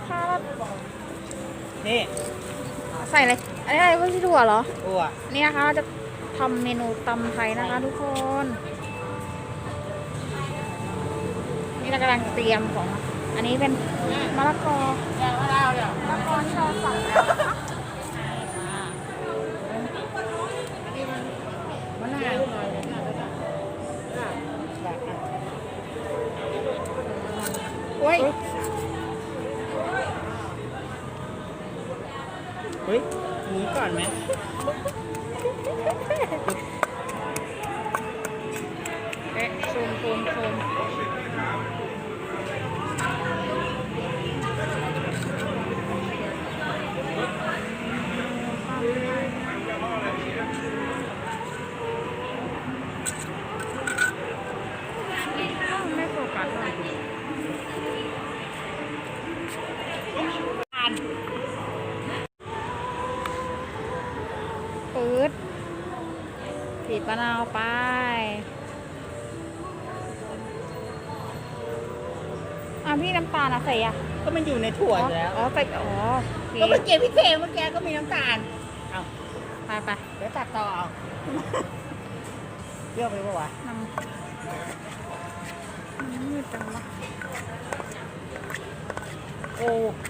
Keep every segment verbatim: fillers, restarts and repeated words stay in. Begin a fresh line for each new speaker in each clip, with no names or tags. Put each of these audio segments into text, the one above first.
นะคะ
นี่
ใส่อะไรอันนี้อะไรพวกที่ถั่วเหรอ
ตัว
นี่นะคะเราจะทำเมนูตำไทยนะคะทุกคน นี่เรากำลังเตรียมของ อันนี้เป็นมะละกอ
แกะมะนาวเนี่ย
มะละกอที่เราสั่งแล้วนะคะ
มะนาวหน่อยมะนาวด้วยกันโอ้ยเฮ้ยหนีก่อนไหม
เอ๊ะซูมซูมซูมไม่โฟกัสเลยปื๊ดบีบมะนาวไปอ่ะพี่น้ำตาลอะใส่อะ
ก็มันอยู่ในถั่วอยู่แล้ว
อ๋อใส่อ๋อโอเค
ก็เมื่อกี้พี่เคเมื่อกี้ก็มีน้ำตาลเอา
ไปไป
เดี๋ยวตัดต่อเอาเปรี้ยวไปปะวะ
นำมืดจังวะ
โอ้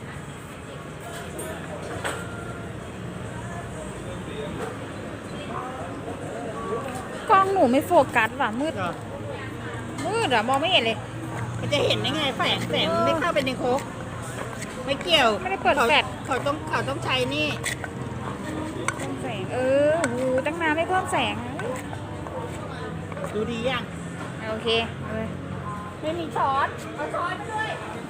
กล้องหนูไม่โฟกัสว่ะมืด
เหรอ
มืดอะมองไม่เห็นเลย
มันจะเห็นได้ไงแสงแสงมันไม่เข้าไปในโคกไม่เกี่ยว
ไม่ได้เปิด
ขา
แฟลช
เขาต้องเขาต้องใช้นี่
เพิ่มแสงเออโหูตั้งนานไม่เพิ่มแสง
ดูดียัง
โอเคเออ
ไม่มีช้อนเอาช้อนมาด้วย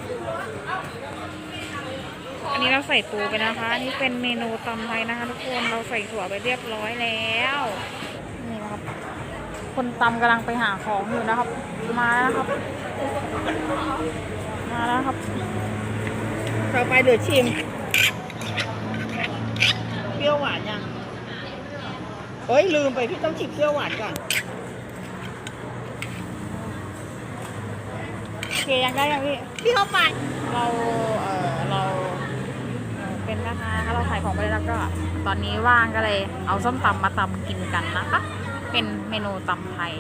อันนี้เราใส่ปูไปนะคะ อันนี้เป็นเมนูตำไทยนะคะทุกคนเราใส่ถั่วไปเรียบร้อยแล้วนี่นะครับ คนตำกำลังไปหาของอยู่นะครับ มาแล้วนะครับ มาแล้วครับ
ต่อไปเดี๋ยวชิมเปรี้ยวหวานยังเอ้ยลืมไปพี่ต้องชิมเปรี้ยวหวานก่อน
โอเคยังได้ยังพี่
พี่เข้าไป
เรา เออเราเอ่อเป็นนะคะเราขายของไปแล้วก็ ตอนนี้ว่างก็เลย เอาส้มตำมาตำกินกันนะคะ เป็นเมนูตำไทย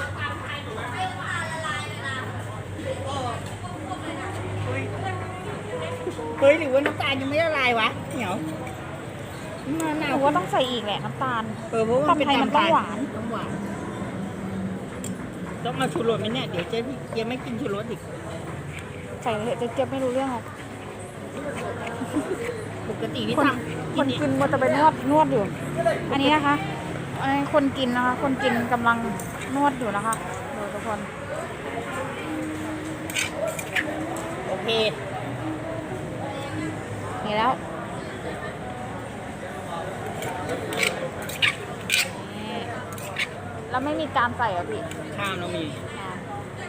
เฮ้ยหรือว่าน้ำตาลยังไม่ละลายวะเหนียวมะ
ห
นาว
นูว่าต้องใส่อีกแหละน้ำตาล
เออเพราะว่าเป็น
ตำไทยมันต้องหวาน
ต้องหวานต้องเอาชูรสไหมเนี่ยเดี๋ยวเจ๊เจ๊ไม่กินชูรสอีก
ใส่เถอะจะเจ็บไม่รู้เรื่องหรอก
ปกติที่
คน
ทำ
คนกินมันจะไปนวดนวดอยู่ อันนี้นะคะอันนี้คนกินนะคะ คนกินกำลังนวดอยู่นะคะดูทุกคน
โอเค
นี่แล้วนี่แล้วไม่มีจานใส่เหรอพี่
ข้าวเรามี
อ่า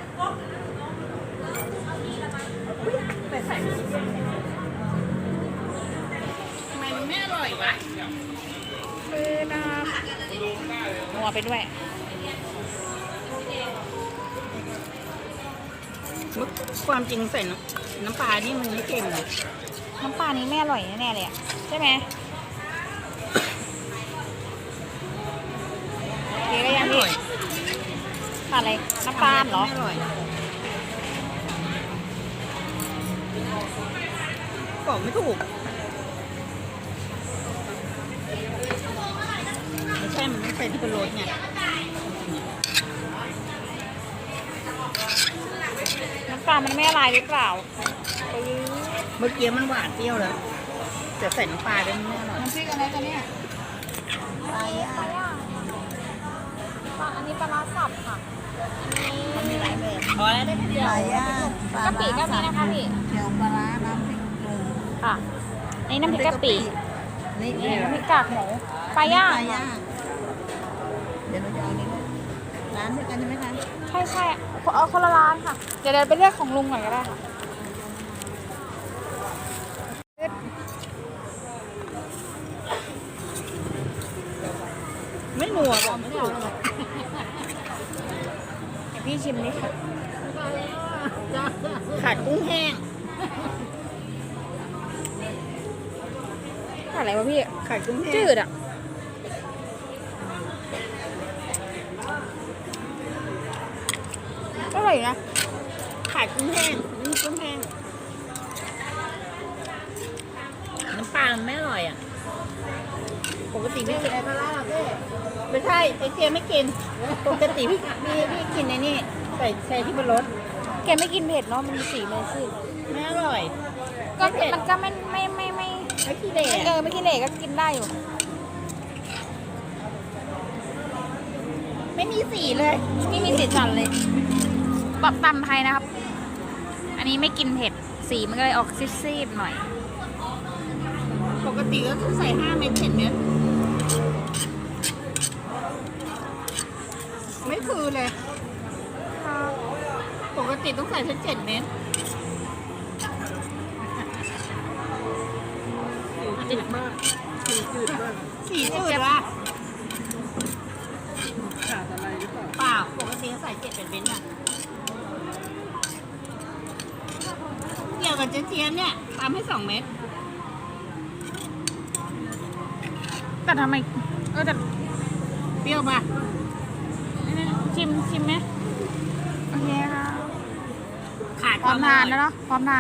แต่ใส่ทำไมมันไม่อร่อยวะ
มือนะนัวไปด้วย
ความจริงใส่น้ำน้ำปลานี่มันไม่เค็มเลย
น้ำปลานี้ไม่อร่อยแน่ๆเลยอะใช่ไหมโอเคก็ยังพี่ขาดอะไรน้ำตาลเหรอ
ไม่อร่อยบอกไม่ถูกไม่ใช่มันไม่ใช่ที่เป็นรสไง
น้ำตาลมันไม่ละลายหรือเปล่าเออ
เมื่อกี้มันหวานเปรี้ยวแล้วแต่ใส่น้ำปลาด้วยมันไม่อร่อย
น้ำพริกอะไรกันเนี่ย
ปลาย่าง
ปลาย่างปลาอันนี้ปลาร้าสับค่ะ
มันมีหลายแบบพอแล้วได้แค่เดียว
ปลาย่างปลาก
ะปิก็มีนะคะพี่
เจียวปลาร้าน้ำพริกหนุ่ม
ค่ะอันนี้น้ำพริกกะปิ
นี่
นี่น้ำพริกกากหมูปลาย่าง
ปลาย่างเดี๋ยวเราจะเอานี่ด้วยร้านเดียวกันใช่ไหมคะ
ใช่ใช่เอาคนละร้านค่ะ เดี๋ยวเดินไปเลือกของลุงหน่อยก็ได้ค่ะ
ไม่นัวบอกไม่ถูก
เดี๋ยวพี่ชิมนี่ค่ะ
ขาดกุ้งแห้ง
ขาดอะไรวะพี่
ไข่กุ้งแห้ง
จืดอ่ะอร่อยอยู่นะ
ไข่กุ้งแห้งนี่กุ้งแห้งน้ำปลามันไม่อร่อยอ่ะปกติพี่กินอะไรปลาล่าพี่ไม่ใช่ไอเจียไม่กินปกติพี่พี่พี่กินไอ้นี่ใส่ใส่ที่บนรถ
แกไม่กินเผ็ดเนาะมันมีสีเลยสิ
ไม่อร่อย
ก็มันก็ไม่ไม่ไม่ไม่
ไม่ขี้เหร่
เออไม่กินเหล็กก็กินได้อยู่
ไม่มีสีเลย
ไม่มีสีสันเลยแบบตำไทยนะครับ อันนี้ไม่กินเผ็ดสีมันก็เลยออกซีดๆหน่อย
ปกติก็ต้องใส่ห้าเม็ดเจ็ดเม็ดไม่คือเลย ปกติต้องใส่แค่เจ็ดเม็ดจืดมากสีจืดมากสีจืดว่ะขาดอะไรหรือเปล่าเปล่าปกติใส่เจ็ดเป็นเม็ดอ่ะเกี่ยวกับเจ๊เจี๊ยบเนี่ยตามให้สองเม็ด
แต่ทำไมเออแต่
เปรี้ยวป่ะ
ชิมชิมไหมโอเคค่ะ
ขาด
พร้อมทานแล้วเนาะพร้อมทาน